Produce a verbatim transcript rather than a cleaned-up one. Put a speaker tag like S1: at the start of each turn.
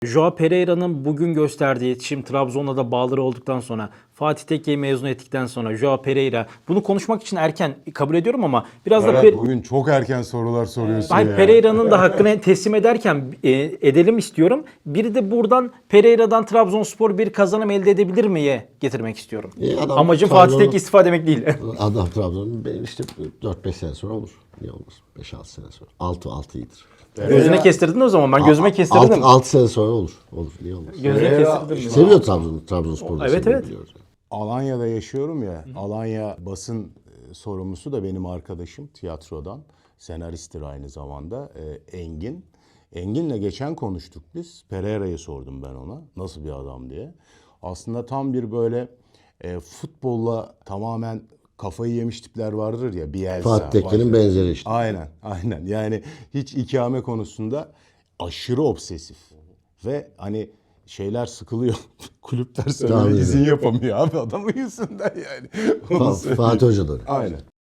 S1: Joao Pereira'nın bugün gösterdiği iletişim, Trabzon'la da bağları olduktan sonra, Fatih Tekke'yi mezun ettikten sonra Joao Pereira, bunu konuşmak için erken kabul ediyorum ama biraz da
S2: Evet,
S1: Per-
S2: bugün çok erken sorular soruyorsun
S1: Hayır,
S2: ya.
S1: Pereira'nın da hakkını teslim ederken e, edelim istiyorum. Biri de buradan Pereira'dan Trabzonspor bir kazanım elde edebilir miye getirmek istiyorum.
S3: E, adam
S1: Amacım
S3: Trabzon'u-
S1: Fatih Tekke istifa demek değil.
S3: Adam Trabzon'un be- işte dört beş sene sonra olur. Niye olmaz? beş altı sene sonra. altı altı iyidir.
S1: Gözüne kestirdin o zaman. Ben gözüme kestirdim.
S3: altı sene sonra olur. Olur. Niye olmaz?
S1: Gözüne
S2: Pereira-
S1: kestirdim.
S3: Seviyor Trabzon'u. Trabzonspor'u da
S1: Evet,
S3: seviyor,
S1: evet.
S3: biliyoruz yani.
S2: Alanya'da yaşıyorum ya. Alanya basın e, sorumlusu da benim arkadaşım tiyatrodan. Senaristtir aynı zamanda. e, Engin. Engin'le geçen konuştuk biz. Pereira'yı sordum ben ona. Nasıl bir adam diye. Aslında tam bir böyle e, futbolla tamamen kafayı yemiş tipler vardır ya. Bielsa.
S3: Fatih Tekke'nin
S2: başka-
S3: benzeri işte.
S2: Aynen, aynen. Yani hiç ikame konusunda aşırı obsesif. Ve hani şeyler sıkılıyor. Kulüpler sana
S3: Tabii.
S2: izin yapamıyor abi adamın yüzünden yani. Onu
S3: Fa-
S2: söyleyeyim.
S3: Fatih Hoca da öyle.
S2: Aynen.